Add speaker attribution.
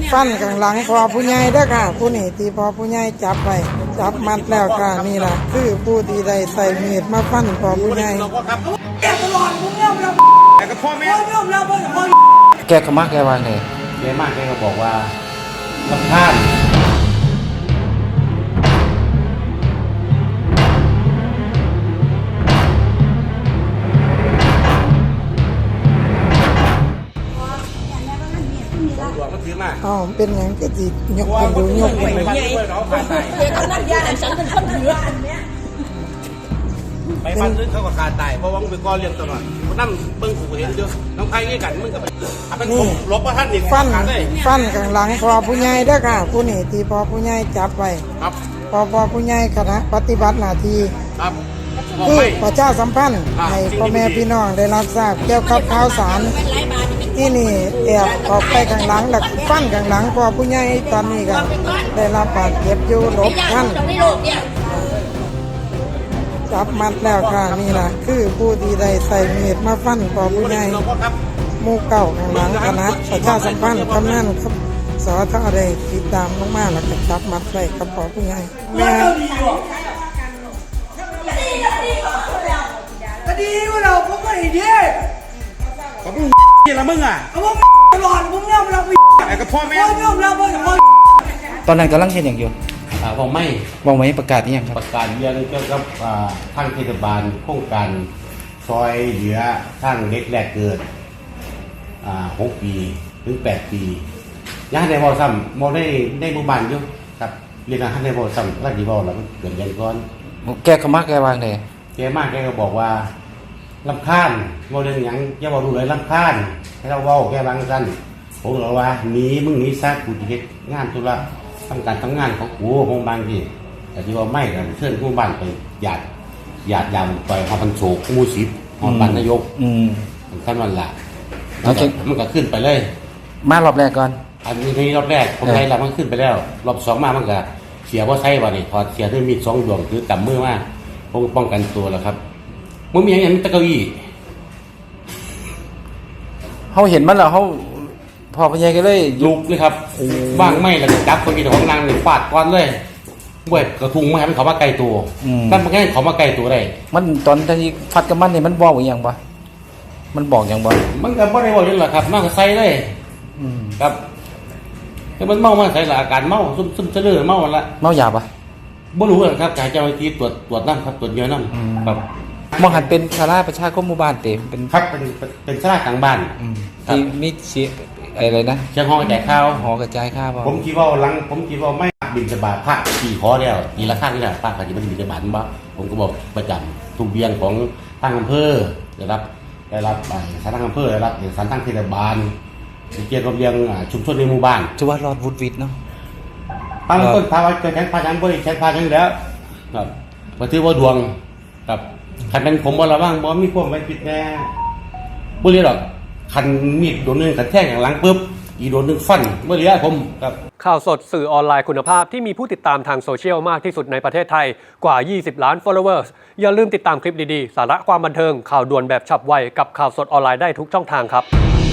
Speaker 1: ฟันข้างหลังพอผู้ใหญ่เด้อค่ะผู้นี่ที่พอผู้ใหญ่จับไปจับมัดแล้วค่ะนี่ล่ะคือผู้ที่ได้ใส่มีดมาฟันพอผู้ใหญ่
Speaker 2: แกตลอดผมเนี่ยเราแต่กับพ่อแม่เราพ่อ
Speaker 3: แกก็มากแกว่าไง
Speaker 4: แกมากแกก็บอกว่าลำคาญ
Speaker 1: อ๋อเป็นอย่างก็จียกกันดูยกกันไป
Speaker 2: นั่นยาฉันเป็นคนถือ
Speaker 4: ไปฟันลึกเขาก็ขาดตายเพราะว่ามึงไปก้อนเลี้ยงตลอดมึงนั่งเบิ้งกูเห็นเยอะน้องไผ่งี้กันมึงก็เป็นลบว่าท่านอีก
Speaker 1: ฟันข้างหลังพอผู้ใหญ่เด้อค่ะผู้นี่ที่พอผู้ใหญ่จับไป
Speaker 4: ครับ
Speaker 1: พอผู้ใหญ่คณะปฏิบัติหน้าที่
Speaker 4: ครับ
Speaker 1: คือประชาสัมพันธ์ให้พ่อแม่พี่น้องได้รับทราบเกี่ยวกับข่าวสารที่นี่แอบออกไปข้างหลังหลักฟันข้างหลังพอผู้ใหญ่ตอนนี้ก็ได้รับบาดเจ็บอยู่หลบท่านจับมัดแล้วค่ะนี่ล่ะคือผู้ที่ได้ใส่มีดมาฟันพอผู้ใหญ่หมู่เก่าข้างหลังคณะประชาสัมพันธ์กำนันครับสอทอได้ติดตามมากๆแล้วก็จับมัดไว้กับพอผู้ใหญ่แม่
Speaker 2: ก็ดีว่าเราผมก็ดี
Speaker 4: เขาเป็นที่ละมึงอ่ะ
Speaker 2: เขาบอกตลอดผมเนี่ยเรา
Speaker 4: แต่กับพ่อแม่
Speaker 2: เราพ่อ
Speaker 3: ตอนนั้นกำลังเห็นอย่างอยู่
Speaker 4: บอกไม่
Speaker 3: บอกไว้ประกาศนี่ยังครับ
Speaker 4: ประกาศเรื่องเกี่ยวกับทางเทศบาลโครงการซอยเหลือทางเด็กแรกเกิด6 ปีถึง 8 ปีย่าในบ่อซ้ำมองได้หมู่บ้านอยู่ครับเรียนให้ในบ่อซ้ำรักดีบ่อแล้วเกิดยังก่อน
Speaker 3: แกก็มากแกว่าไง
Speaker 4: แกมากแกก็บอกว่าลำคาญบ่เรื่องหยังอย่าบอกดูเลยลำคาญให้เราเว้าแกบางสั้นผมบอกว่าหนีมึงหนีซะกูจะเฮ็ดงานธุระทำการทำงานของกูโรงพยาบาลที่แต่ที่ว่าไม่กันเชิญผู้บ้านไปหยาดยามไปหอพันโศกมูสิบหอบ้านนายกขั้นวันละมันก็ขึ้นไปเลย
Speaker 3: มารอบแรกก่อน
Speaker 4: อันนี้รอบแรกผมไล่แล้วมันขึ้นไปแล้วรอบ2มามันก็เสียเพราะใช่ว่านี่พอเสียด้วยมีด2 ดวงคือกำมือมาป้องกันตัวแล้วครับมึงมีอย่างนี้ตะเกีย
Speaker 3: เขาเห็นมันแล้วเขาพอพญายก็เลย
Speaker 4: ลุกเลยครับว่างไม่แล้วจับคนมีแต่ของนางเลยฟาดก้อนเลยเว้ยกระทุงไม่ให้มันเขามาไกลตัวถ้ามันแค่เขามาไกลตัวได้
Speaker 3: มันตอนที่ฟัดกับมันเนี่ยมันบอกอย่างปะมันบอกอย่างปะ
Speaker 4: มันก็ไม่ได้บอกอย่างหรอกครับมันก็ใส่เลยครับแต่มันเมาใส่ละอาการเมาซึมเลื่อยเมาละ
Speaker 3: เมายาปะ
Speaker 4: ไม่รู้เลยครับการเจ้าหน้าที่ตรวจน้ำครับตรวจเยอะน้ำครับ
Speaker 3: มองหันเป็นชาลาประชาคมหมู่บ้านเต็ม
Speaker 4: เป็นชาลากลางบ้าน
Speaker 3: ที่มีเสียอะไรนะ
Speaker 4: เชียงห้องกระจายข้าว
Speaker 3: หอกระจายข้าว
Speaker 4: ผมคิดว่าไม่บินสบายพระขี่คอเดียวทีละข้างนี่แหละพระปฏิบัติบินสบายบ้างผมก็บอกประจำทุกเบียงของทางอำเภอได้รับสารทางอำเภอได้รับสารทางเทศบาลเกี่ยวกับเรื่องชุมชนในหมู่บ้าน
Speaker 3: ชื่อว่ารอดวุฒิวิทย์เนาะ
Speaker 4: ตั้งต้นพาไว้ใช้พายังบ่ใช้พายังแล้วครับมาถือว่าดวงครับคันเป็นผมบ่ระวังบ่มีพวกไว้ปิดแน่บ่เรียหรอกคันมีดโดนนึงกระแทกอย่างหลังปุ๊บอีโดนนึงฟันบ่เรียผมครับ
Speaker 5: ข่าวสดสื่อออนไลน์คุณภาพที่มีผู้ติดตามทางโซเชียลมากที่สุดในประเทศไทยกว่า20 ล้าน followers อย่าลืมติดตามคลิปดีๆสาระความบันเทิงข่าวด่วนแบบฉับไวกับข่าวสดออนไลน์ได้ทุกช่องทางครับ